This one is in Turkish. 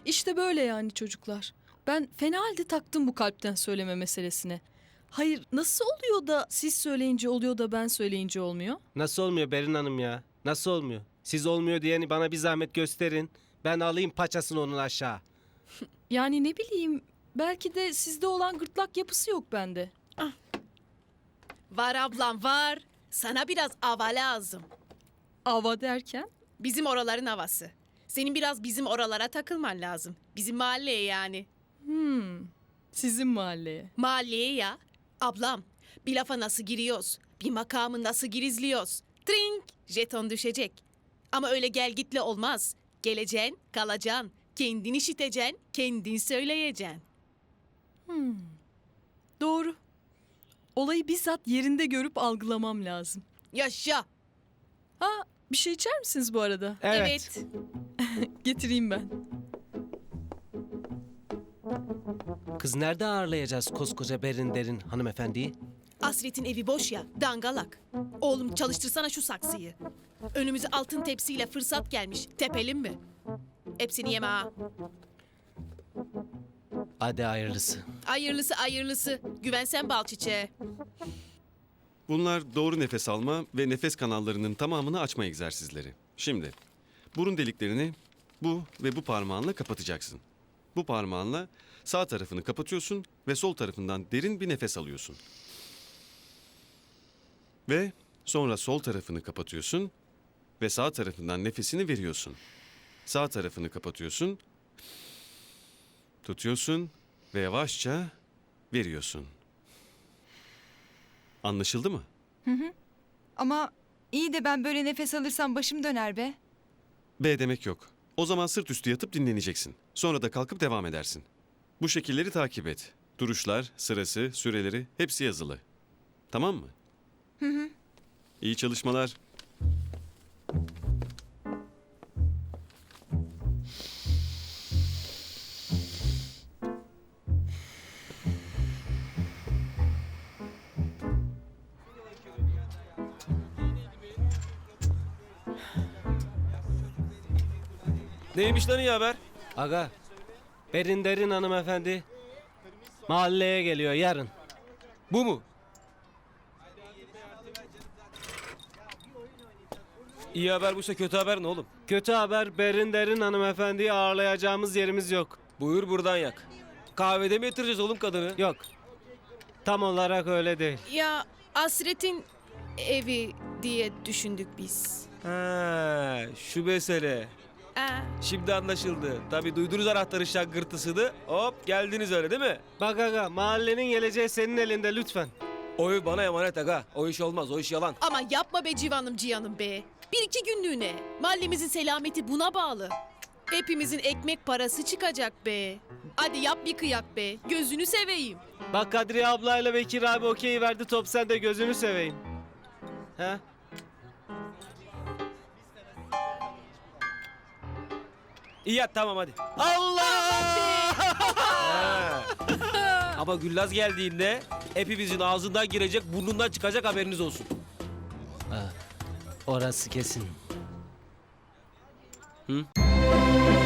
İşte böyle yani çocuklar. Ben fena halde taktım bu kalpten söyleme meselesine. Hayır, nasıl oluyor da siz söyleyince oluyor da ben söyleyince olmuyor? Nasıl olmuyor Berin Hanım ya? Nasıl olmuyor? Siz olmuyor diyeni bana bir zahmet gösterin. Ben alayım paçasını onun aşağı. Yani ne bileyim, belki de sizde olan gırtlak yapısı yok bende. Var ablam var. Sana biraz hava lazım. Ava derken? Bizim oraların havası. Senin biraz bizim oralara takılman lazım. Bizim mahalleye yani. Sizin mahalleye. Mahalleye ya. Ablam, bir lafa nasıl giriyoruz? Bir makamı nasıl girizliyoruz? Trink, jeton düşecek. Ama öyle gel gitle olmaz. Geleceksin, kalacaksın. Kendin işiteceksin, kendin söyleyeceksin. Doğru. Olayı bizzat yerinde görüp algılamam lazım. Yaşa. Ha, bir şey içer misiniz bu arada? Evet. Getireyim ben. Kız nerede ağırlayacağız koskoca Berin Derin hanımefendiyi? Asret'in evi boş ya, dangalak. Oğlum çalıştırsana şu saksıyı. Önümüze altın tepsiyle fırsat gelmiş. Tepelim mi? Hepsini yeme ha. Hadi hayırlısı. Hayırlısı hayırlısı. Güvensen bal çiçeğe. Bunlar doğru nefes alma ve nefes kanallarının tamamını açma egzersizleri. Şimdi burun deliklerini bu ve bu parmağınla kapatacaksın. Bu parmağınla sağ tarafını kapatıyorsun ve sol tarafından derin bir nefes alıyorsun. Ve sonra sol tarafını kapatıyorsun ve sağ tarafından nefesini veriyorsun. Sağ tarafını kapatıyorsun, tutuyorsun ve yavaşça veriyorsun. Anlaşıldı mı? Ama iyi de ben böyle nefes alırsam başım döner be. B demek yok. O zaman sırt üstü yatıp dinleneceksin. Sonra da kalkıp devam edersin. Bu şekilleri takip et. Duruşlar, sırası, süreleri hepsi yazılı. Tamam mı? İyi çalışmalar. Neymiş lan iyi haber? Aga, Berin Derin hanımefendi mahalleye geliyor yarın. Bu mu? İyi haber buysa kötü haber ne oğlum? Kötü haber, Berin Derin hanımefendiyi ağırlayacağımız yerimiz yok. Buyur buradan yak. Kahvede mi yatıracağız oğlum kadını? Yok. Tam olarak öyle değil. Ya Asret'in evi diye düşündük biz. Ha, şu mesele. Şimdi anlaşıldı. Tabii duydunuz anahtarın şangırtısını. Hop geldiniz öyle değil mi? Bak aga, mahallenin geleceği senin elinde lütfen. Oy bana emanet aga. O iş olmaz, o iş yalan. Ama yapma be civanım cihanım be. Bir iki günlüğüne. Mahallemizin selameti buna bağlı. Hepimizin ekmek parası çıkacak be. Hadi yap bir kıyak be. Gözünü seveyim. Bak Kadriye ablayla Bekir abi okey verdi, top sende, gözünü seveyim. Ha? İyi yat tamam hadi. Allah! Ama Güllaz geldiğinde hepimizin ağzından girecek, burnundan çıkacak haberiniz olsun. Orası kesin. Hı?